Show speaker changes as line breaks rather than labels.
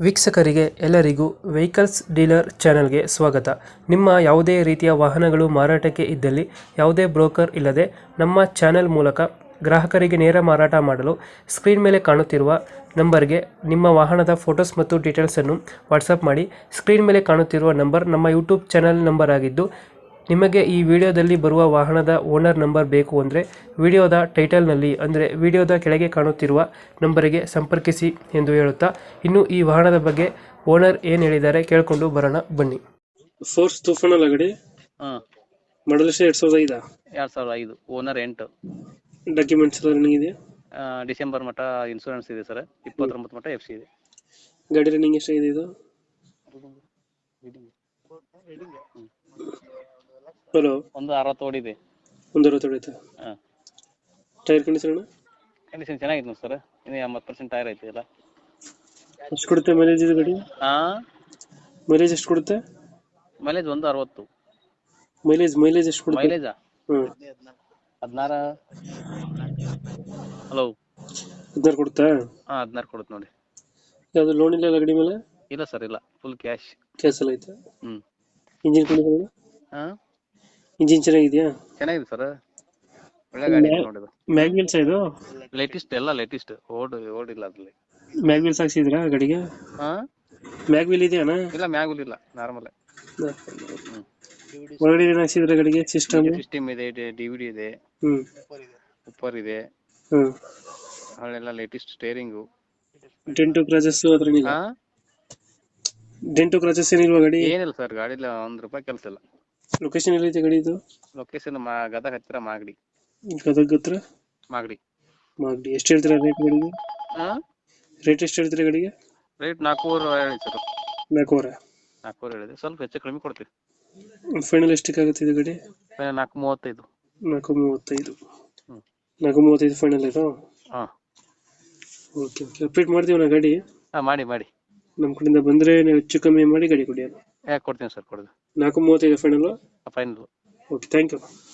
ವೀಕ್ಷಕರಿಗೆ ಎಲ್ಲರಿಗೂ vehicles dealer ಚಾನೆಲ್ಗೆ ಸ್ವಾಗತ. ನಿಮ್ಮ ಯಾವುದೇ ರೀತಿಯ ವಾಹನಗಳು ಮಾರಾಟಕ್ಕೆ ಇದ್ದಲ್ಲಿ ಯಾವುದೇ ಬ್ರೋಕರ್ ಇಲ್ಲದೆ ನಮ್ಮ ಚಾನೆಲ್ ಮೂಲಕ ಗ್ರಾಹಕರಿಗೆ ನೇರ ಮಾರಾಟ ಮಾಡಲು ಸ್ಕ್ರೀನ್ ಮೇಲೆ ಕಾಣುತ್ತಿರುವ ನಂಬರ್ಗೆ ನಿಮ್ಮ ವಾಹನದ ಫೋಟೋಸ್ ಮತ್ತು ಡೀಟೇಲ್ಸನ್ನು ವಾಟ್ಸಪ್ ಮಾಡಿ. ಸ್ಕ್ರೀನ್ ಮೇಲೆ ಕಾಣುತ್ತಿರುವ ನಂಬರ್ ನಮ್ಮ ಯೂಟ್ಯೂಬ್ ಚಾನೆಲ್ ನಂಬರ್ ಆಗಿದ್ದು, ನಿಮಗೆ ಈ ವಿಡಿಯೋದಲ್ಲಿ ಬರುವ ವಾಹನದ ಓನರ್ ನಂಬರ್ ಬೇಕು ಅಂದರೆ ವಿಡಿಯೋದ ಟೈಟಲ್ನಲ್ಲಿ ಅಂದರೆ ವಿಡಿಯೋದ ಕೆಳಗೆ ಕಾಣುತ್ತಿರುವ ನಂಬರಿಗೆ ಸಂಪರ್ಕಿಸಿ ಎಂದು ಹೇಳುತ್ತಾ, ಇನ್ನು ಈ ವಾಹನದ ಬಗ್ಗೆ ಓನರ್ ಏನು ಹೇಳಿದ್ದಾರೆ ಕೇಳಿಕೊಂಡು ಬರೋಣ ಬನ್ನಿ. ಫೋರ್ಸ್ ತೂಫಾನ್ ಅಲ್ಲ ಗಾಡಿ?
ಹಾಂ,
ಮಾಡಲ್ 2005.
2005 ಓನರ್ 8.
ಡಾಕ್ಯುಮೆಂಟ್ಸ್ ಎಲ್ಲ ರನ್ನಿಂಗ್ ಇದೆಯಾ?
ಡಿಸೆಂಬರ್ ಮಟ್ಟ ಇನ್ಸೂರೆನ್ಸ್ ಇದೆ ಸರ್. 29 ಮಟ್ಟ FC ಇದೆ.
ಗಾಡಿ ರನ್ನಿಂಗ್ ಎಷ್ಟಾಗಿದೆ ಇದು? ಹಲೋ,
160 ಓಡಿದೆ.
160 ಹೊಡಿತಾ?
ಹಾಂ,
ಟೈರ್ ಕಂಡೀಷನ್?
ಕಂಡೀಷನ್ ಚೆನ್ನಾಗಿದೆ ಸರ್. ಇನ್ನು 80% ಟೈರ್ ಐತೆ ಎಲ್ಲ.
ಎಷ್ಟು ಕೊಡುತ್ತೆ ಮೈಲೇಜ್ ಇದು ಗಾಡಿ?
ಹಾಂ,
ಮೈಲೇಜ್ ಎಷ್ಟು ಕೊಡುತ್ತೆ?
ಮೈಲೇಜ್ 160.
ಮೈಲೇಜ್ ಎಷ್ಟು ಕೊಡುತ್ತೆ?
ಮೈಲೇಜಾ? 16. ಹಲೋ,
16 ಕೊಡುತ್ತಾ?
ಹಾಂ, 16 ಕೊಡುತ್ತೆ ನೋಡಿ.
ಯಾವುದು ಲೋನ್ ಇಲ್ಲ ಗಾಡಿ ಮೇಲೆ?
ಇಲ್ಲ ಸರ್, ಇಲ್ಲ, ಫುಲ್ ಕ್ಯಾಶ್.
ಕ್ಯಾನ್ಸಲ್ ಆಯ್ತಾ?
ಹ್ಞೂ.
Engine condition?
ಹಾಂ,
ಇಂಜಿನ್ ಚೆನ್ನಾಗಿದೆಯಾ?
ಚೆನ್ನಾಗಿದೆ ಸರ್. ಒಳ್ಳೆ ಗಾಡಿ ಇದೆ ನೋಡಿ.
ಮ್ಯಾಗ್ವಿಲ್ಸ್ ಇದು?
ಲೇಟೆಸ್ಟ್, ಎಲ್ಲ ಲೇಟೆಸ್ಟ್. ಓಡಿಲ್ಲ ಅದ್ರಲ್ಲಿ.
ಮ್ಯಾಗ್ವಿಲ್ಸ್ ಹಾಕ್ಸಿದ್ರಾ ಗಾಡಿಗೆ?
ಹಾಂ,
ಮ್ಯಾಗ್ವಿಲ್ ಇದೆಯಾ?
ಇಲ್ಲ, ಮ್ಯಾಗುಲ್ ಇಲ್ಲ, ನಾರ್ಮಲ್.
ಒಳಗಡೆ ಏನು ಹಾಕ್ಸಿದ್ರ ಗಾಡಿಗೆ?
ಸಿಸ್ಟಮ್ ಇದೆ, DVD ಇದೆ, ಉಪ್ಪರ್ ಇದೆ, ಅಲ್ಲೆಲ್ಲ ಲೇಟೆಸ್ಟ್. ಸ್ಟೇರಿಂಗು,
ಡೆಂಟು ಕ್ರಾಚಸ್ ಅದ್ರೇನಿಲ್ಲ?
ಹಾ,
ಡೆಂಟು ಕ್ರಾಚಸ್ ಏನಿಲ್ವಾ ಗಾಡಿ?
ಏನಿಲ್ಲ ಸರ್, ಗಾಡಿಲಿ ₹1 ಕೆಲಸ ಇಲ್ಲ.
ಲೊಕೇಶನ್ ಎಲ್ಲೈತೆ ಗಾಡಿ ಇದು?
ಲೊಕೇಶನ್ ಗದಗ ಹತ್ತಿರ ಮಾಗಡಿ.
ಗದಗ ಹತ್ರ
ಮಾಗಡಿ.
ಎಷ್ಟು ಹೇಳ್ತೀರಾ ರೇಟ್ ಗಾಡಿಗೆ?
ಹಾ,
ರೇಟ್ ಎಷ್ಟು ಹೇಳ್ತೀರಾ ಗಾಡಿಗೆ?
ರೇಟ್ 4,500 ಹೇಳಿ ಸರ್.
4,500?
4,500 ಹೇಳಿದೆ, ಸ್ವಲ್ಪ ಹೆಚ್ಚು ಕಡಿಮೆ ಕೊಡ್ತೀವಿ.
ಫೈನಲ್ ಎಷ್ಟಕ್ಕೆ ಆಗುತ್ತೆ ಇದು ಗಾಡಿ?
4,35.
4,35. 4,35 ಫೈನಲ್ ಇದು?
ಹಾಂ,
ಓಕೆ. ಅಪ್ಡೇಟ್ ಮಾಡ್ತೀವಿ ನಾ ಗಾಡಿ.
ಹಾಂ, ಮಾಡಿ.
ನಮ್ಮ ಕಡೆಯಿಂದ ಬಂದರೆ ನೀವು ಹೆಚ್ಚು ಕಮ್ಮಿ ಮಾಡಿ ಗಾಡಿ ಕೊಡಿ.
ಯಾಕೆ ಕೊಡ್ತೀನಿ ಸರ್, ಕೊಡೋದು.
4,35 final?
Final.
Okay, thank you.